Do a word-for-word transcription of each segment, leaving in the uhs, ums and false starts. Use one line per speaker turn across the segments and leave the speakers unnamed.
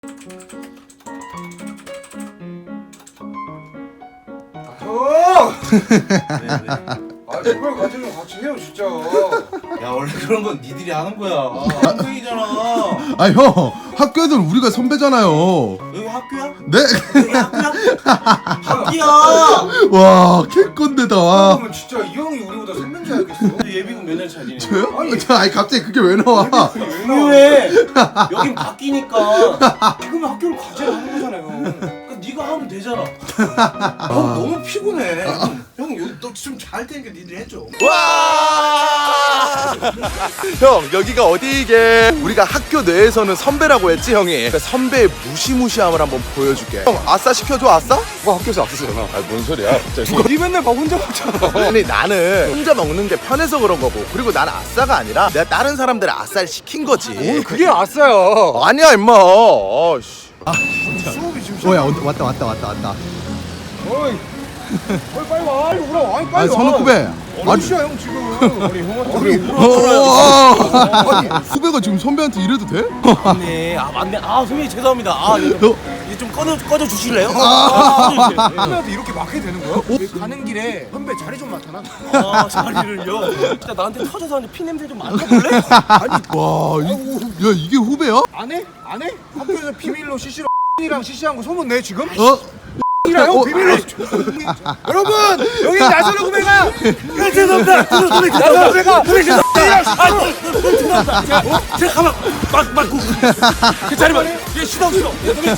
형!
네, 네.
아 제발 같이 같이 해요 진짜.
야 원래 그런 건 니들이 하는 거야. 학생이잖아.
아 형, 학교에서 우리가 선배잖아요.
여기 학교야?
네?
여기 학교야? 학교야.
와, 개꼰대다. 와.
그러면 진짜 이 형이 우리보다 선배인 줄 알겠어.
예비군 몇 년 차니?
저요? 아니, 저, 아니 갑자기 그게 왜 나와?
왜 나와?
왜? 여긴 바뀌니까.
지금 학교를 과제를 하는 거잖아요.
그러니까 네가 하면 되잖아. 형 너무 피곤해. 형 여기 너좀잘 되니까 니들이 해줘.
와! 형 여기가 어디 이게? 우리가 학교 내에서는 선배라고 했지 형이. 그 선배의 무시무시함을 한번 보여줄게. 형 아싸 시켜줘 아싸?
뭐 학교에서 앞서잖아.
아 뭔 소리야?
니 맨날 밥 혼자 먹잖아.
아니 나는 혼자 먹는 게 편해서 그런 거고, 그리고 나는 아싸가 아니라 내가 다른 사람들의 아싸를 시킨 거지.
오늘 그게 아싸야.
아니야 임마. 아씨.
수업이 지금.
오야, 왔다 왔다 왔다 왔다.
어이. 어이 빨리 와. 빨리 오라. 아니
아,
빨리 와.
선후배.
아니 씨야 형 지금. 아니 형한테
아니,
그래.
어, 어, 어. 아니, 후배가 지금 선배한테 이래도 돼?
맞네. 아 맞네. 아 선배님 죄송합니다. 아 이거
너,
이거 좀 꺼져 꺼져 주실래요? 아,
선배한테 이렇게 막해도 되는 거야? 왜 가는 길에 선배 자리 좀 맡아놔.
아 자리를요. 진짜 나한테 터져서 하는데 피 냄새 좀 맡아볼래?
와, 이, 야 이게 후배야?
안 해? 안 해? 학교에서 비밀로 씨씨로 이랑 씨씨한 거 소문 내 지금?
어?
이랑 형
어,
비밀로. 여러분 여기 나선우 후배가.
아, 죄송합니다. 선배님
나선우 후배가.
아, 죄송합니다. 제가 어? 제가 가만 막 막고 그 자리만 얘 시동 시동.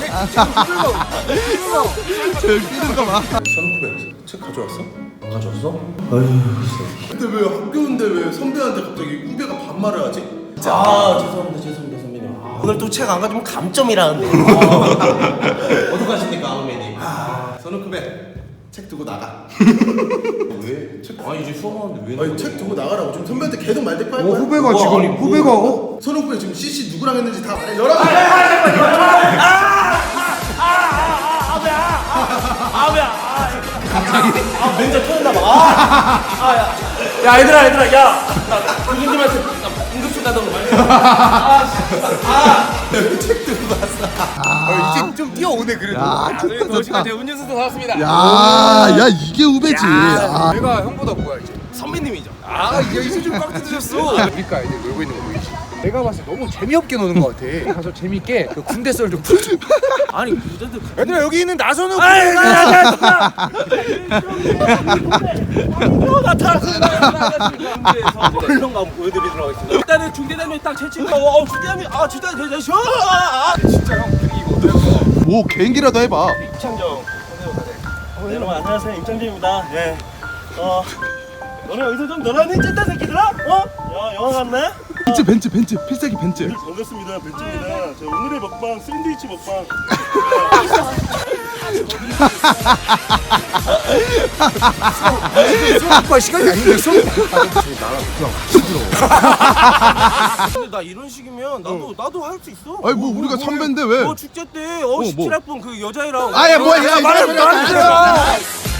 저 뛰는 거 봐.
선후배 책 가져왔어?
안 가져왔어?
근데 왜 학교인데 왜 선배한테 갑자기 후배가 반말을 하지?
아 죄송합니다 죄송합니다 선배님. 아, 오늘 또 책 안 가지면 감점이라는데. 아, 어떡하십니까 선배님?
아, 선후배 책 두고 나가.
왜? 책? 아 이제 수업하는데 왜?
아니 책 두고 나가라고. 지금 선배한테 계속 말대꾸 할
어
거야?
후배가
우와,
지금
아니,
후배가 어?
선후배 지금 씨씨 누구랑 했는지 다 말해. 열어.
아 멘붕 터졌나 봐. 아, 아 야. 야 얘들아 얘들아 야. 나 교수님한테 나 응급실 가던 거 말이야. 아
어, 이제 좀 뛰어오네 그래도.
야, 좋다 좋다.
제가 운전수도 사왔습니다.
야, 야 이게 후배지. 아,
내가 형보다 뭐야 이제.
선배님이죠.
아 이제 이제 좀 꽉 뜯으셨어. 그러니까 이제 놀고 있는 거 보이지. 내가 봤을 때 너무 재미없게 노는 것 같아. 가서 재밌게 그 군대 썰 좀 풀.
아니 부자들.
얘들아 여기 있는 나선우
아이
후배가.
나타났어. 물론 가면 보여드리도록 하겠습니다. 일단은 중대장님 딱 제치고 어 중대장님 아 중대장님 대장 아
진짜 형 분위기 이거 어떨까?
뭐 개인기라도 해봐.
임창정 선생님 여러분 안녕하세요 임창정입니다. 예. 어 너네 여기서 좀 놀아니 찐따 새끼들아? 어? 야 영화 갔네?
벤츠 벤츠 벤츠 필살기 벤츠.
반갑습니다 벤츠입니다. 자 오늘의 먹방 샌드위치 먹방.
수업과 시간이 아닌데 수업.
근데 나 이런 식이면 나도 나도 할 수 있어.
아니 뭐 우리가 선배인데 왜?
뭐 축제 때어
뭐?
십칠 학번 그 여자애랑
아야 뭐야, 야,
말해
이거
말해.